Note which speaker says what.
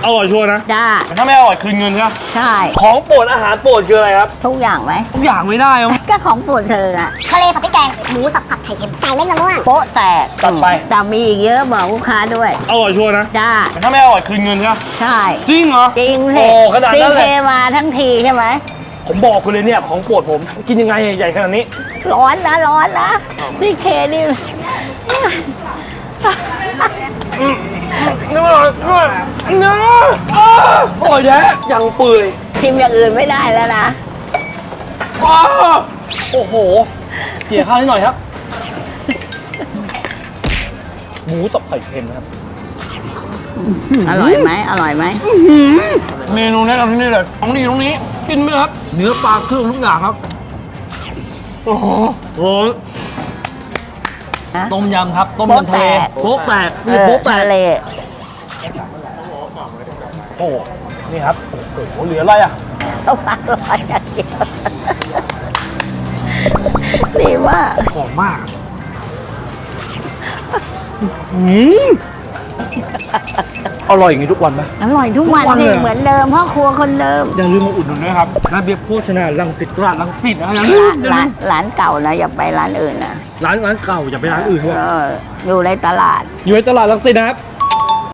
Speaker 1: อร่อยชัวร์นะ
Speaker 2: จ้า
Speaker 1: แต่ถ้าไม่อร่อยคืนเงินใช่ไหม
Speaker 2: ใช่
Speaker 1: ของโปรดอาหารโปรดคืออะไรครับ
Speaker 2: ทุกอย่างไหม
Speaker 1: ทุกอย่างไม่ได้ครับ
Speaker 2: ก็ของโปรดเธออะ
Speaker 3: ทะเลผัดพริกแกง หมูสับผัดไข่เค็ม ไก่เล่นมะม่วง
Speaker 2: โป๊ะแตก
Speaker 1: จัดไป
Speaker 2: แต่มีอีกเยอะบอกลูกค้าด้วย
Speaker 1: อร่อยชัวร์นะ
Speaker 2: จ้า
Speaker 1: แต่ถ้าไม่อร่อยคืนเงินใช่ไหม
Speaker 2: ใช่
Speaker 1: จริงเหรอ
Speaker 2: จริงสิ
Speaker 1: โอ้ขนาด
Speaker 2: ซี
Speaker 1: นั้น
Speaker 2: เค
Speaker 1: เลย
Speaker 2: มาทั้งทีใช่ไหม
Speaker 1: ผมบอกคุณเลยเนี่ยของโปรดผมกินยังไงใหญ่ขนาดนี้
Speaker 2: ร้อนนะซีเคนี่
Speaker 1: เนื้อเนื้ออร่อยแท้ยังเปื่อย
Speaker 2: ชิมอย่างอื่นไม่ได้แล้วนะ
Speaker 1: อ้าวโอ้โหเจี๋ยข้าวนิดหน่อยครับ หมูสับไข่เค็มนะครับ
Speaker 2: อร่อยไหมอร่อยไหม
Speaker 1: เมนูแนะนำที่นี่เลยของดีตรงนี้กินไหมครับ เนื้อปลาเครื่องทุกอย่างครับ โอ้โหต้มยำครับ ต้มยำทะเลโป๊ะแตกนี่โป๊ะแตก
Speaker 2: ทะเล
Speaker 1: โอ้โหนี่ครับ โอ้โหเหลืออะไรอ่ะ
Speaker 2: ต้องอร่อยอย่างเดียวดีมาก
Speaker 1: หอมมากอร่อยอย่างนี้ทุกวันไหม
Speaker 2: อร่อยทุกวัน
Speaker 1: ทุกวัน
Speaker 2: สิ
Speaker 1: เลย
Speaker 2: เหมือนเดิมพ่อครัวคนเดิม
Speaker 1: อย่าลืมมาอุดหนุนนะครับร้านเบียร์โภชนารังสิตตลาดรังสิตนะอย่าลืมอย่าลืม
Speaker 2: ร้านเก่านะอย่าไปร้านอื่นนะ
Speaker 1: ร้านเก่าอย่าไปร้านอื่นด้วย
Speaker 2: อยู่ในตลาด
Speaker 1: อยู่ในตลาดรังสิตนะครับ